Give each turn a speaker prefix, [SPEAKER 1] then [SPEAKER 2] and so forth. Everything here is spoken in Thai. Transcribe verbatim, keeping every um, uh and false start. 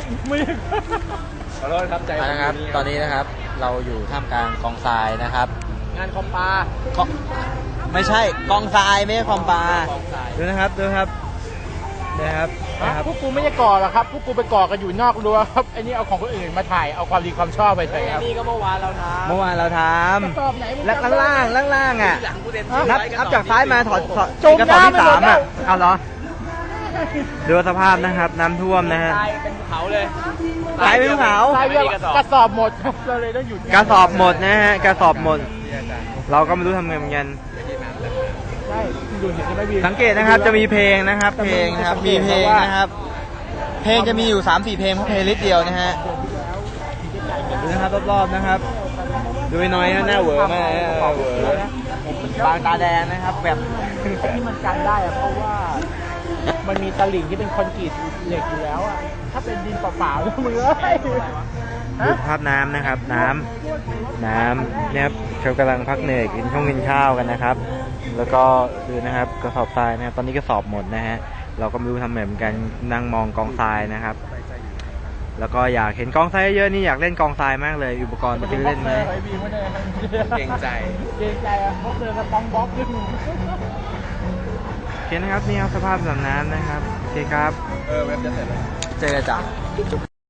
[SPEAKER 1] ไม่ขอโทษครับใจ
[SPEAKER 2] นะครับตอนนี้นะครับเราอยู่ท่ามกลางกองทรายนะครับ
[SPEAKER 1] งานคอมปลา
[SPEAKER 2] ไม่ใช่กองทรายไม่ใช่คอมปลาดูนะครับดูครับนะครับนะครับ
[SPEAKER 1] พวกกูไม่ได้ก่อหรอกครับพวกกูไปก่อกันอยู่นอกรั้วครับไอ้นี่เอาของคนอื่นมาถ่ายเอาความดีความชอบไปเลยครับนี่ก็เมื่อวานเราทำ
[SPEAKER 2] เมื่อวานเราทำแล้วล่างล่างล่างอ่ะนับนับจากซ้ายมาถอดจมน้ำที่สามอ่ะเอาเหรอดูสภาพนะครับน้ำท่วมนะฮะ
[SPEAKER 1] เป็นภูเขาเลย
[SPEAKER 2] ตายเป็นภูเขา
[SPEAKER 1] กระสอบหมดครับเราเลยต้องหยุด
[SPEAKER 2] กระสอบหมดนะฮะกระสอบหมดเราก็ไม่รู้ทำไงเหมือนกันสังเกตนะครับจะมีเพลงนะครับเพลงนะครับมีเพลงนะครับเพลงจะมีอยู่ สามสี่ เพลงเพราะเพลงลิสต์เดียวนะฮะดูนะครับรอบๆนะครับดูน้อยหน้าเหวอมากเหวอบางตาแดงนะครับแบบ
[SPEAKER 1] ที่มันกันได้อะเพราะว่ามันมีตลิ่งที่เป็นคอนกรีตเหล็กอยู่แล้วอะถ้าเป็นดินเปล่าๆแล้วมึงเอ้ย
[SPEAKER 2] ดูภาพน้ำนะครับน้ำน้ำเนี่ยเขากำลังพักเหนื่อยกินช่วงกินข้าวกันนะครับแล้วก็ดูนะครับกระสอบทรายนะครับตอนนี้กระสอบหมดนะฮะเราก็ไม่รู้ทำเหมือนกันนั่งมองกองทรายนะครับแล้วก็อยากเห็นกองทรายเยอะนี่อยากเล่นกองทรายมากเลยอุปกรณ์จะไปเล่นไหม
[SPEAKER 1] เก่งใจเก่งใจอ่ะพวกเธอจะต้องบล็อกขึ้น
[SPEAKER 2] โอเคนะครับนี่ครับสภาพสำน้ำนะครับโอเคครับ
[SPEAKER 1] เออเว็บจะเสร็จแล้ว
[SPEAKER 2] เจอกันจ้ะ